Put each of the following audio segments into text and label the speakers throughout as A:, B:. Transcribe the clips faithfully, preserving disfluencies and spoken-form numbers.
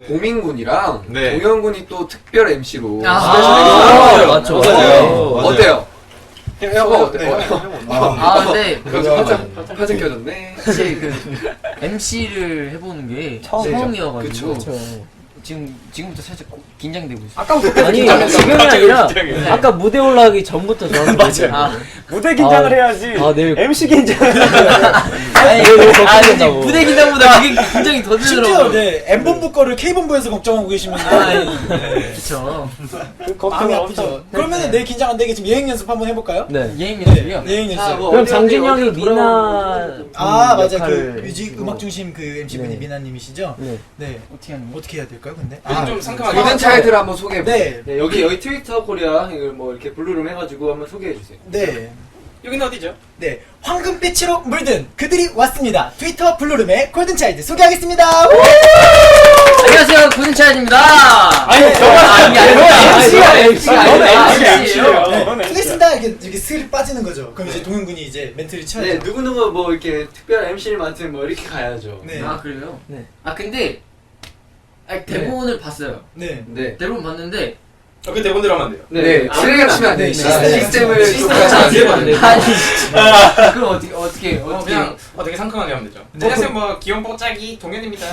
A: 보민군이랑
B: 네.
A: 동현군이 또 특별 엠씨로
C: 아,
A: 아,
C: 맞죠.
A: 맞아요.
B: 맞아요.
A: 어때요?
B: 형,
A: 저거
B: 형,
A: 어때요?
C: 아, 근데
A: 화장 화장 켜졌네.
C: 사실 그 엠씨를 해보는 게
D: 처음.
C: 처음이어가지고
A: 그쵸.
C: 지금 지금부터 살짝 고- 긴장되고 있어요.
A: 아까부터
D: 아니
A: 긴장했다.
D: 지금이 아니라
B: 긴장해.
D: 아까 무대 올라가기 전부터 저는
E: 맞아요.
C: 아,
E: 무대 긴장을
D: 아,
E: 해야지.
D: 아, 내일
E: 엠씨 긴장을
C: 아니,
D: 너무
C: 아니
D: 걱정된다고.
C: 무대 긴장보다 그게 긴장이 더
F: 심지어
C: 되더라고요.
F: 네 M본부 거를 K본부에서 걱정하고 계시면 네.
C: 그쵸.
F: 마음이
E: 걱정이
F: 아프죠.
E: 없죠.
F: 그러면은 내일 긴장 안 되게 지금 예행 연습 한번 해볼까요?
D: 네.
C: 예행 연습이요?
F: 네, 예행 연습.
A: 뭐
D: 그럼
A: 어디,
D: 장진
A: 어디,
D: 형이
A: 어디로
D: 미나
F: 아 맞아 그
D: 역할을
F: 뮤직
D: 해주시고.
F: 음악 중심 그 엠씨분이
D: 네.
F: 미나님이시죠?
D: 네.
F: 네.
C: 어떻게 하는 거?
F: 어떻게 해야 될까요, 근데?
B: 요즘 좀 상큼하게.
A: 골든 차일드를 한번 소개해 보세요.
F: 네.
G: 네, 여기 여기 트위터 코리아 이걸 뭐 이렇게 블루룸 해가지고 한번 소개해 주세요.
F: 네.
B: 여기는 어디죠?
F: 네. 황금빛으로 물든 그들이 왔습니다. 트위터 블루룸의 골든차일드 소개하겠습니다. 우!
C: 안녕하세요, 고진차일드입니다.
E: 아니,
C: 저건 아니 아니
A: 엠씨가
C: 엠씨가
E: 너는
C: 아니라
E: 엠씨예요.
C: 엠씨예요.
E: 너는
F: 쓰겠습니다. 이렇게 이렇게 슬 빠지는 거죠. 그럼 이제 동현군이 이제 멘트를 쳐야죠.
G: 네, 누구 누구 뭐 이렇게 특별 엠씨를 맡은 뭐 이렇게 가야죠.
F: 네.
C: 아 그래요?
D: 네.
C: 아 근데 아니, 대본을 봤어요.
F: 네.
A: 네.
C: 대본 봤는데
B: 어, 그 대본대로 하면 안 돼요.
A: 네. 실례가 치면 안
F: 네,
A: 됩니다.
F: 시스템.
A: 시스템을
F: 시스템.
A: 좀 같이 안 되면 안 돼요.
C: 아니 그럼 어떻게 어떻게
B: 어,
C: 어떻게
B: 그냥 어, 되게 상큼하게 하면 되죠.
F: 네.
B: 안녕하세요, 뭐 귀여운 뽀짝이 동현입니다.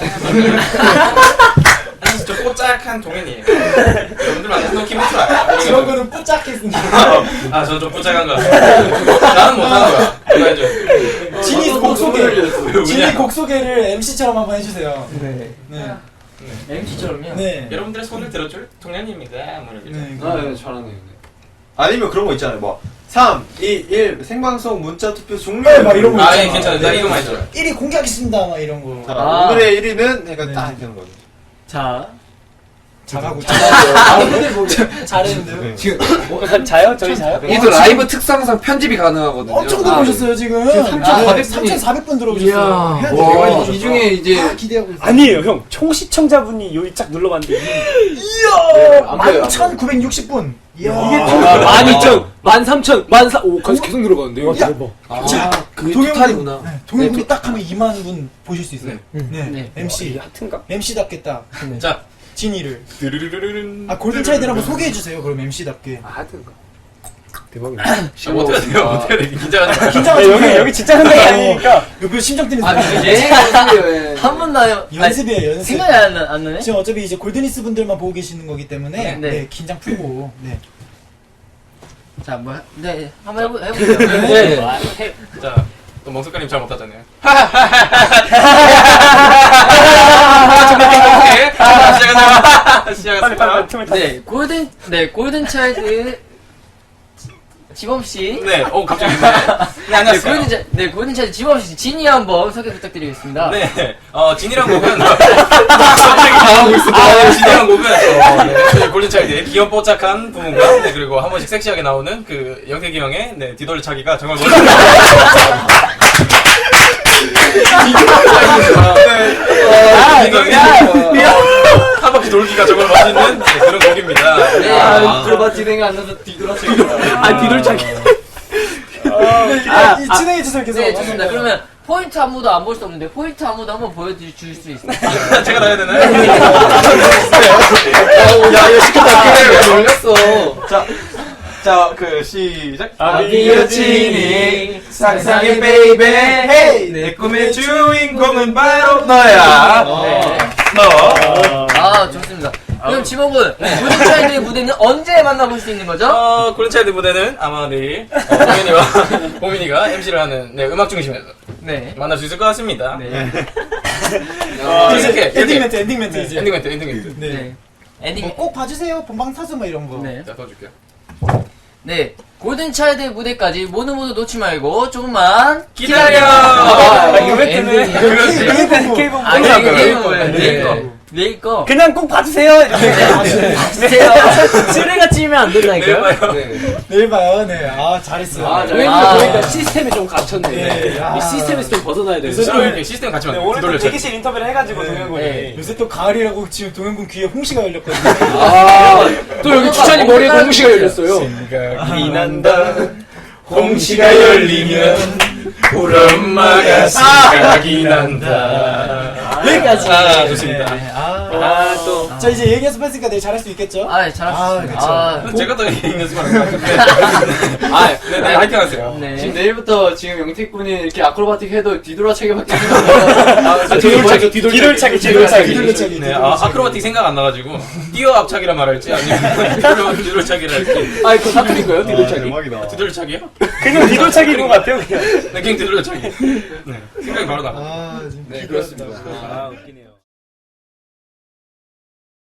B: 아니, 저 뽀짝한 동현이에요. 여러분들 만나서 너무 기분 좋아요.
F: 저런 거는 뽀짝했습니다.
B: 아, 저는 좀 뽀짝한 거 같아요. 나는 못하는 거야. 이거 해줘.
F: 진이
G: 어,
F: 곡 소개.
B: 왜
F: 진이
B: 우냐?
F: 곡 소개를 엠씨처럼 한번 해주세요.
D: 네.
F: 네.
C: 엠씨처럼요?
F: 네.
B: 여러분들의 손을 들어줄 동현입니다. 뭐 이렇게.
F: 네.
G: 아, 네, 잘하네요. 네.
H: 아니면 그런 거 있잖아요. 뭐 삼, 이, 일
G: 생방송 문자 투표 종료.
F: 네, 막 이런 거
B: 아,
F: 있잖아.
B: 예, 괜찮아요. 나 이거만 해줘요.
F: 일 위 공개하겠습니다. 막 이런 거.
H: 자,
C: 아.
H: 오늘의 일 위는 그러니까
F: 네.
H: 딱 이렇게 하는 거죠.
C: 자
F: 잘하고
A: 뭐
F: 잘했는데요.
A: 지금
E: 자요? 저희 자요?
A: 이도 라이브 특성상 편집이 가능하거든요.
F: 엄청 들어오셨어요 지금. 삼천사백 분 들어오셨어요. 해야 돼요.
A: 와, 이 중에 이제
F: 다 기대하고 있어요.
E: 아니에요, 형. 총 시청자분이 여기 쫙 눌러봤는데
F: 이야, 만 천구백육십 분. 이야.
E: 만 이천,
D: 만 삼천, 만 사, 오,
A: 계속 계속 늘어가는데요.
F: 야.
A: 아,
F: 자,
A: 그게
F: 동영군.
A: 토탈이구나.
F: 네, 동영군이 딱 하면 이만 분 보실 수 있어요. 네.
C: 네.
F: 엠씨.
E: 하트인가?
F: 엠씨답겠다.
B: 자,
F: 진이를.
B: 드르르르르른.
F: 아, 골든차일드를 한번 소개해 주세요. 그럼 엠씨답게.
A: 아, 하여튼
D: 대박이네.
B: 아, 못해야 돼요. 못해야 돼. 긴장하지 마.
F: 긴장하지
E: 여기, 여기 진짜 현장이 아니니까.
F: 여기 심장 뛰는
C: 아,
F: 소리.
C: 예?
A: 예.
C: 한 번도 안 해요.
F: 연습이에요, 연습.
C: 생각이 안, 나- 안 나네?
F: 지금 어차피 이제 골드니스 분들만 보고 계시는 거기 때문에
C: 네,
F: 네,
C: 네.
F: 긴장 풀고 네.
C: 자, 뭐, 네, 한번 해보, 해보세요.
D: 네.
E: 아, 해-
B: 자, 또 멍석가님 잘 못하잖아요. 오케이. 시작하자. 시작하자.
E: 빨리, 빨리, 틈을 타.
C: 네, 골든, 네, 골든차일드 지범씨.
B: 네, 오, 갑자기. 네,
C: 네,
B: 안녕하세요.
C: 골든차, 네, 골든차일드 지범씨, 진이 한번 소개 부탁드리겠습니다.
B: 네, 어, 진이란 곡은. 갑자기 당하고 있어. 아, 진이란 곡은. 어, 네, 저희 골든차일드의 귀염 뽀짝한 부분과, 네, 그리고 한 번씩 섹시하게 나오는 그 영택이 형의, 네, 뒤돌차기가 정말 멋있습니다. 아, 이거, 야! 한 바퀴 돌기가 정말 멋있는 네, 그런 곡입니다.
C: 네.
G: 아, 그러다 진행이 안 나서 뒤돌아서.
D: 아, 뒤돌짝이.
F: 아, 이 진행해 주세요 계속.
C: 네, 좋습니다. 그러면 포인트 안무도 안 볼 수 없는데, 포인트 안무도 한번 보여줄 수 있어요.
B: 제가 다 해야 되나요?
A: 야, 이거 시켰다. 그래, 놀렸어.
H: 자, 자, 그 시작.
E: 아비여
H: 진이 상상의 베이베 헤이 내 꿈의 주인공은 바로 너야.
C: 네.
H: 너.
C: 아, 좋습니다. 그럼 지범군, 골든차일드의 무대는 언제 만나볼 수 있는 거죠?
B: 어, 골든차일드 무대는 아마 내일 어, 동현이와 보민이가 엠씨를 하는 네, 음악 중심에서
C: 네.
B: 만날 수 있을 것 같습니다.
C: 네.
B: 어, 이렇게
F: 엔딩
B: 이렇게
F: 멘트, 엔딩 멘트 이제.
B: 엔딩 멘트, 엔딩 멘트.
F: 네.
C: 네. 엔딩.
F: 뭐 꼭 봐주세요. 본방 사수 뭐 이런 거.
C: 네.
B: 자, 더 줄게요.
C: 네. 골든차일드 무대까지 모두 모두 놓지 말고 조금만
B: 기다려!
C: 아,
E: 아, 이거 왜 뜨네?
C: 엔딩.
B: 그렇지.
E: K-팝, K-팝.
C: 아,
B: 항상
C: 내일 내일
B: 그래요.
C: 거예요.
B: 네.
C: 내일 거. 내일 거.
E: 그냥 꼭 봐주세요. 이렇게.
C: 봐주세요.
D: 쓰레가 찌면 안
B: 내일
D: 된다니까요?
B: 봐요.
A: 네.
F: 내일 봐요. 네. 아, 잘했어요.
G: 아,
F: 네.
G: 잘했어요.
C: 아.
D: 보니까 시스템이 좀 갇혔네.
F: 네. 아.
D: 이 시스템에서 좀 벗어나야 돼.
B: 서로 이렇게 시스템 같이
E: 네,
B: 만들어.
E: 오늘 또
B: 뒤돌려
E: 대기실 인터뷰를 해가지고 동현군이.
C: 네.
F: 요새 또 가을이라고 지금 동현군 귀에 홍시가 열렸거든요.
A: 아, 또 여기 추찬이 머리에 공무시가 열렸어요.
B: 생각이 난다. 홍시가 열리면 우리 엄마가 생각이 난다.
D: 여기까지.
B: 아, 좋습니다.
F: 네. 아,
D: 아, 또.
F: 자 이제 얘기 연습했으니까 내일 잘할 수 있겠죠?
C: 아, 잘하셨습니다.
F: 아, 그쵸.
C: 아,
B: 제가 더 연습하는 것 같은데. 아, 네, 네, 화이팅 하세요.
C: 네.
G: 지금 내일부터 지금 영택 분이 이렇게 아크로바틱 해도 뒤돌아차기밖에 안 나와요.
D: 아, 뒤돌차기, 뒤돌차기.
E: 뒤돌차기,
F: 뒤돌차기,
E: 뒤돌차기.
F: 뒤돌차기.
B: 네, 아, 아크로바틱 생각 안 나가지고 뛰어 앞차기란 말할지 아니면 뒤돌 뒤돌차기를 할지.
D: 아, 그거 사투리인 거예요? 뒤돌차기?
H: 대박이다.
B: 뒤돌차기요?
E: 그냥 뒤돌차기인 것 같아요, 그냥.
B: 네, 그냥 뒤돌차기. 네, 생각이 바로 나.
F: 아, 지금
G: 네, 그렇습니다.
D: 아, 웃기네요.